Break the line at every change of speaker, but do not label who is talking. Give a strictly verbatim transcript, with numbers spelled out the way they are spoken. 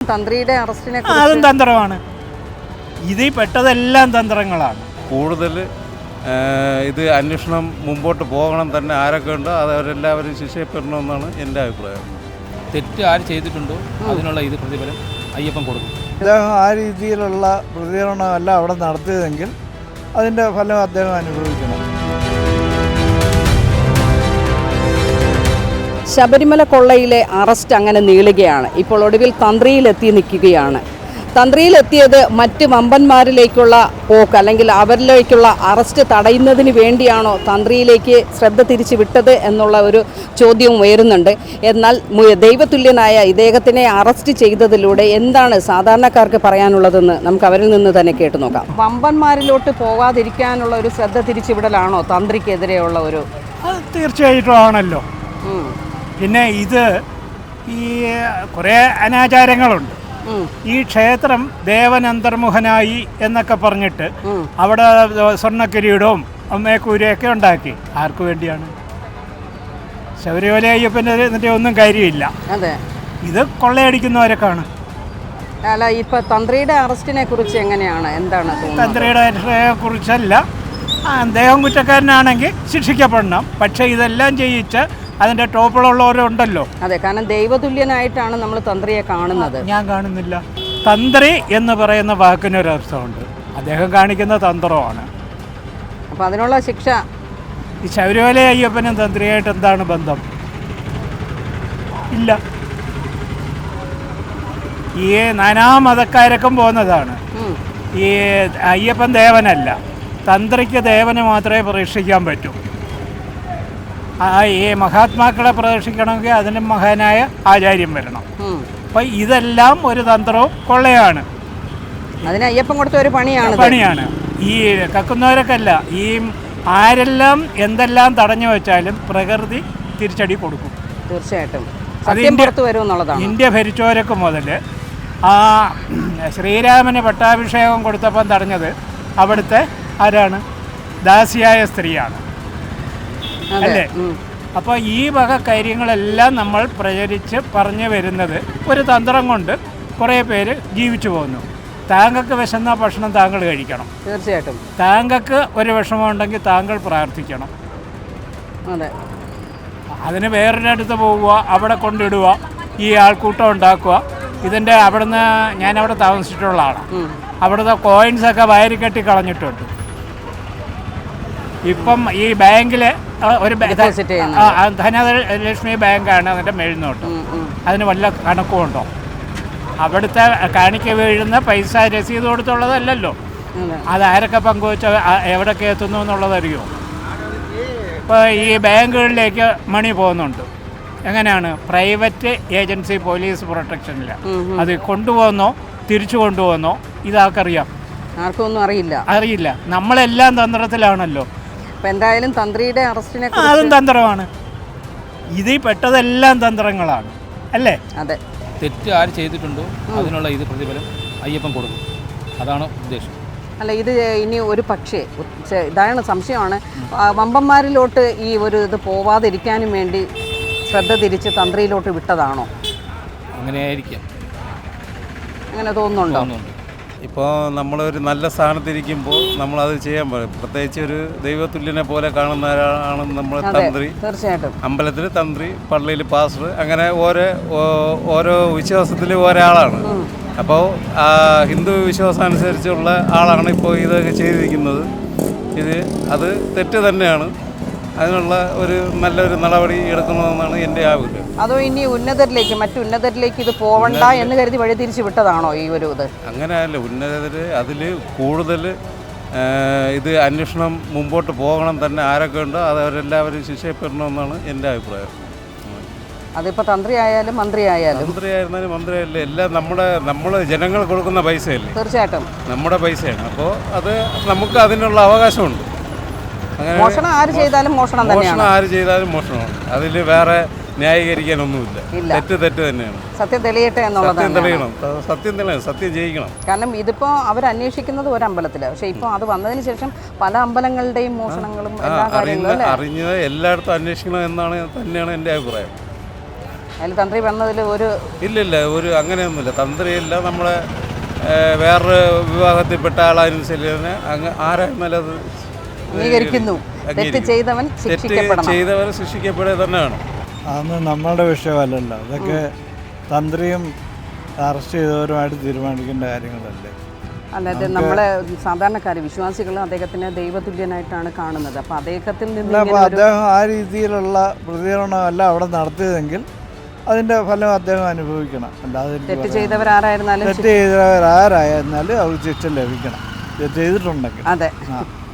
തന്ത്രിയുടെ അറസ്റ്റിനെ
അതും തന്ത്രമാണ്. ഇതിൽ പെട്ടതെല്ലാം തന്ത്രങ്ങളാണ്.
കൂടുതൽ ഇത് അന്വേഷണം മുമ്പോട്ട് പോകണം തന്നെ. ആരൊക്കെ ഉണ്ടോ അത് അവരെല്ലാവരും ശിക്ഷയപ്പെടണമെന്നാണ് എൻ്റെ അഭിപ്രായം.
തെറ്റ് ആര് ചെയ്തിട്ടുണ്ടോ അതിനുള്ള ഇത് പ്രതിഫലം അയ്യപ്പൻ കൊടുക്കും.
അദ്ദേഹം ആ രീതിയിലുള്ള പ്രതികരണമല്ല അവിടെ നടത്തിയതെങ്കിൽ അതിൻ്റെ ഫലം അദ്ദേഹം അനുഭവിക്കണം.
ശബരിമല കൊള്ളയിലെ അറസ്റ്റ് അങ്ങനെ നീളുകയാണ്. ഇപ്പോൾ ഒടുവിൽ തന്ത്രിയിലെത്തി നിൽക്കുകയാണ്. തന്ത്രിയിലെത്തിയത് മറ്റ് വമ്പന്മാരിലേക്കുള്ള പോക്ക് അല്ലെങ്കിൽ അവരിലേക്കുള്ള അറസ്റ്റ് തടയുന്നതിന് വേണ്ടിയാണോ തന്ത്രിയിലേക്ക് ശ്രദ്ധ തിരിച്ചു വിട്ടത് എന്നുള്ള ഒരു ചോദ്യവും ഉയരുന്നുണ്ട്. എന്നാൽ ദൈവതുല്യനായ ഇദ്ദേഹത്തിനെ അറസ്റ്റ് ചെയ്തതിലൂടെ എന്താണ് സാധാരണക്കാർക്ക് പറയാനുള്ളതെന്ന് നമുക്ക് അവരിൽ നിന്ന് തന്നെ കേട്ടു നോക്കാം. വമ്പന്മാരിലോട്ട് പോകാതിരിക്കാനുള്ള ഒരു ശ്രദ്ധ തിരിച്ചുവിടലാണോ തന്ത്രിക്കെതിരെയുള്ള ഒരു?
അത് തീർച്ചയായിട്ടും ആണല്ലോ. പിന്നെ ഇത് ഈ കുറേ അനാചാരങ്ങളുണ്ട്. ഈ ക്ഷേത്രം ദേവൻ അന്തർമുഖനായി എന്നൊക്കെ പറഞ്ഞിട്ട് അവിടെ സ്വർണ്ണക്കിരീടവും അമ്മേക്കൂരയൊക്കെ ഉണ്ടാക്കി. ആർക്കു വേണ്ടിയാണ്? ശബരിമല അയ്യപ്പൻ്റെ എന്നിട്ട് ഒന്നും കാര്യമില്ല.
അതെ,
ഇത് കൊള്ളയടിക്കുന്നവരൊക്കെയാണ്.
അല്ല, ഇപ്പൊ തന്ത്രിയുടെ അറസ്റ്റിനെ കുറിച്ച് എങ്ങനെയാണ്, എന്താണ്?
തന്ത്രിയുടെ അറസ്റ്റിനെ കുറിച്ചല്ല, അദ്ദേഹം കുറ്റക്കാരനാണെങ്കിൽ ശിക്ഷിക്കപ്പെടണം. പക്ഷേ ഇതെല്ലാം ചെയ്യിച്ച് അതിൻ്റെ ടോപ്പിലുള്ളവരുണ്ടല്ലോ.
അതെ, കാരണം ദൈവതുല്യനായിട്ടാണ് നമ്മൾ തന്ത്രിയെ കാണുന്നത്.
ഞാൻ കാണുന്നില്ല. തന്ത്രി എന്ന് പറയുന്ന വാക്കിനൊരർത്ഥമുണ്ട്. അദ്ദേഹം കാണിക്കുന്ന തന്ത്രമാണ്.
അപ്പം അതിനുള്ള ശിക്ഷ
ഈ ശബരിമല അയ്യപ്പനും തന്ത്രിയായിട്ട് എന്താണ് ബന്ധം? ഇല്ല. ഈ നാനാ മതക്കാരൊക്കെ പോകുന്നതാണ്. ഈ അയ്യപ്പൻ ദേവനല്ല, തന്ത്രിക്ക് ദേവന് മാത്രമേ പ്രതീക്ഷിക്കാൻ പറ്റൂ. ഈ മഹാത്മാക്കളെ പ്രദർശിക്കണമെങ്കിൽ അതിന് മഹാനായ ആചാര്യം വരണം. അപ്പം ഇതെല്ലാം ഒരു തന്ത്രവും കൊള്ളയാണ്.
അതിന് അയ്യപ്പൻ കൊടുത്ത ഒരു പണിയാണ്
പണിയാണ് ഈ കക്കുന്നവരൊക്കെ അല്ല. ഈ ആരെല്ലാം എന്തെല്ലാം തടഞ്ഞു വെച്ചാലും പ്രകൃതി തിരിച്ചടി കൊടുക്കും.
തീർച്ചയായിട്ടും
അത് ഇന്ത്യ ഭരിച്ചവരൊക്കെ മുതൽ ആ ശ്രീരാമന് പട്ടാഭിഷേകം കൊടുത്തപ്പം തടഞ്ഞത് അവിടുത്തെ ആരാണ്? ദാസിയായ സ്ത്രീയാണ്, അല്ലേ? അപ്പോൾ ഈ വക കാര്യങ്ങളെല്ലാം നമ്മൾ പ്രചരിച്ച് പറഞ്ഞു വരുന്നത് ഒരു തന്ത്രം കൊണ്ട് കുറേ പേര് ജീവിച്ചു പോകുന്നു. താങ്കൾക്ക് വിശന്ന ഭക്ഷണം താങ്കൾ കഴിക്കണം.
തീർച്ചയായിട്ടും.
താങ്കൾക്ക് ഒരു വിഷമം ഉണ്ടെങ്കിൽ താങ്കൾ പ്രാർത്ഥിക്കണം.
അതെ,
അതിന് വേറൊരിടത്ത് പോവുക, അവിടെ കൊണ്ടിടുക, ഈ ആൾക്കൂട്ടം ഉണ്ടാക്കുക. ഇതിൻ്റെ അവിടുന്ന് ഞാനവിടെ താമസിച്ചിട്ടുള്ള ആളാണ്. അവിടുത്തെ കോയിൻസൊക്കെ വയറിക്കെട്ടി കളഞ്ഞിട്ടുണ്ട്. ഇപ്പം ഈ ബാങ്കിൽ ഒരു ധനലക്ഷ്മി ബാങ്കാണ് അതിൻ്റെ മേൽനോട്ട്. അതിന് വല്ല കണക്കുമുണ്ടോ? അവിടുത്തെ കാണിക്ക വീഴുന്ന പൈസ രസീത് കൊടുത്തുള്ളതല്ലല്ലോ. അതാരൊക്കെ പങ്കുവെച്ച എവിടൊക്കെ എത്തുന്നു എന്നുള്ളതറിയോ? ഇപ്പോൾ ഈ ബാങ്കുകളിലേക്ക് മണി പോകുന്നുണ്ട്. എങ്ങനെയാണ്? പ്രൈവറ്റ് ഏജൻസി പോലീസ് പ്രൊട്ടക്ഷനില്ല. അത് കൊണ്ടുപോകുന്നോ തിരിച്ചു കൊണ്ടുപോകുന്നോ ഇതാർക്കറിയാം?
ആർക്കും ഒന്നും അറിയില്ല.
അറിയില്ല. നമ്മളെല്ലാം തന്ത്രത്തിലാണല്ലോ.
എന്തായാലും തന്ത്രിയുടെ അറസ്റ്റിനെ
അതും തന്ത്രമാണ്. ഇതിൽ പെട്ടതെല്ലാം തന്ത്രങ്ങളാണ്, അല്ലേ?
അതെ.
തെറ്റ് ആര് ചെയ്തിട്ടുണ്ടോ അതിനുള്ള ഇത് പ്രതിഫലം അയ്യപ്പൻ കൊടുക്കും. അതാണ് ഉദ്ദേശം.
അല്ല, ഇത് ഇനി ഒരു പക്ഷേ ഇതാണ് സംശയമാണ്, വമ്പന്മാരിലോട്ട് ഈ ഒരു ഇത് പോവാതിരിക്കാനും വേണ്ടി ശ്രദ്ധ തിരിച്ച് തന്ത്രിയിലോട്ട് വിട്ടതാണോ?
അങ്ങനെയായിരിക്കാം.
അങ്ങനെ തോന്നുന്നുണ്ടോ?
ഇപ്പോൾ നമ്മളൊരു നല്ല സ്ഥാനത്തിരിക്കുമ്പോൾ നമ്മളത് ചെയ്യാൻ പറയും. പ്രത്യേകിച്ച് ഒരു ദൈവതുല്യനെ പോലെ കാണുന്ന ഒരാളാണ് നമ്മൾ തന്ത്രി.
തീർച്ചയായിട്ടും.
അമ്പലത്തിൽ തന്ത്രി, പള്ളിയിൽ പാസ്റ്റർ, അങ്ങനെ ഓരോ ഓരോ വിശ്വാസത്തിൽ ഒരാളാണ്. അപ്പോൾ ഹിന്ദു വിശ്വാസം അനുസരിച്ചുള്ള ആളാണ് ഇപ്പോൾ ഇതൊക്കെ ചെയ്തിരിക്കുന്നത്. ഇത് അത് തെറ്റ് തന്നെയാണ്. അതിനുള്ള ഒരു നല്ലൊരു നടപടി എടുക്കണമെന്നാണ് എൻ്റെ ആഗ്രഹം.
അതോ ഇനി ഉന്നതരിലേക്ക് മറ്റു ഉന്നതരിലേക്ക് ഇത് പോവണ്ട എന്ന് കരുതി വഴി തിരിച്ചു വിട്ടതാണോ ഈ ഒരു ഇത്?
അങ്ങനെയല്ല, ഉന്നതർ അതിൽ കൂടുതൽ ഇത് അന്വേഷണം മുമ്പോട്ട് പോകണം തന്നെ. ആരൊക്കെ ഉണ്ടോ അത് അവരെല്ലാവരും ശിക്ഷയപ്പെടണമെന്നാണ് എൻ്റെ അഭിപ്രായം.
അതിപ്പോൾ തന്ത്രി ആയാലും മന്ത്രി ആയാലും
മന്ത്രി ആയിരുന്നാലും മന്ത്രി ആയാലും എല്ലാം നമ്മുടെ നമ്മൾ ജനങ്ങൾ കൊടുക്കുന്ന പൈസയല്ലേ?
തീർച്ചയായിട്ടും
നമ്മുടെ പൈസയാണ്. അപ്പോൾ അത് നമുക്ക് അതിനുള്ള അവകാശമുണ്ട്.
മോഷണം ആര് ചെയ്താലും മോഷണം തന്നെയാണ്.
മോഷണം ആര് ചെയ്താലും മോഷണമാണ്. അതിൽ വേറെ ന്യായീകരിക്കാനൊന്നുമില്ല. തെറ്റ് തെറ്റ് തന്നെയാണ്.
സത്യം തെളിയട്ടെ എന്നുള്ളത്.
സത്യം തെളിയണം. സത്യം തെളിയണം. സത്യം ജയിക്കണം.
കാരണം ഇതിപ്പോൾ അവർ അന്വേഷിക്കുന്നത് ഒരു അമ്പലത്തിലാണ്. പക്ഷേ ഇപ്പോൾ അത് വന്നതിന് ശേഷം പല അമ്പലങ്ങളുടെയും മോഷണങ്ങളും എല്ലാ കാര്യങ്ങളും
അറിഞ്ഞത് എല്ലായിടത്തും അന്വേഷിക്കണം എന്നാണ് തന്നെയാണ് എൻ്റെ അഭിപ്രായം.
അതിൽ തന്ത്രി വന്നതിൽ ഒരു
ഇല്ലില്ല, ഒരു അങ്ങനെയൊന്നുമില്ല. തന്ത്രിയില്ല, നമ്മളെ ഏഹ്, വേറൊരു വിഭാഗത്തിൽപ്പെട്ട ആളനുസരിച്ച് അങ്ങ് ആരായിരുന്നാലും അത്
അംഗീകരിക്കുന്നു. തെറ്റ് ചെയ്തവൻ
തെറ്റ്
ശിക്ഷിക്കപ്പെടണം.
ചെയ്തവർ ശിക്ഷിക്കപ്പെടുക തന്നെ വേണം.
അതൊന്നും നമ്മളുടെ വിഷയമല്ലല്ലോ. അതൊക്കെ തന്ത്രിയും അറസ്റ്റ് ചെയ്തവരുമായിട്ട് തീരുമാനിക്കേണ്ട കാര്യങ്ങളല്ലേ.
അല്ലാതെ നമ്മളെ സാധാരണക്കാർ വിശ്വാസികൾ അദ്ദേഹത്തിനെ ദൈവതുല്യനായിട്ടാണ് കാണുന്നത്. അപ്പോൾ അദ്ദേഹത്തിൽ നിന്ന്
അപ്പോൾ അദ്ദേഹം ആ രീതിയിലുള്ള പ്രതികരണമല്ല അവിടെ നടത്തിയതെങ്കിൽ അതിൻ്റെ ഫലം അദ്ദേഹം അനുഭവിക്കണം. അല്ലാതെ എനിക്ക്
തെറ്റ്
പറയാൻ-
ചെയ്തവരാരായിരുന്നാലും
തെറ്റ് ചെയ്തവരാരായിരുന്നാലും അവർക്ക് ശിക്ഷ ലഭിക്കണം, തെറ്റ് ചെയ്തിട്ടുണ്ടെങ്കിൽ.
അതെ.
ആ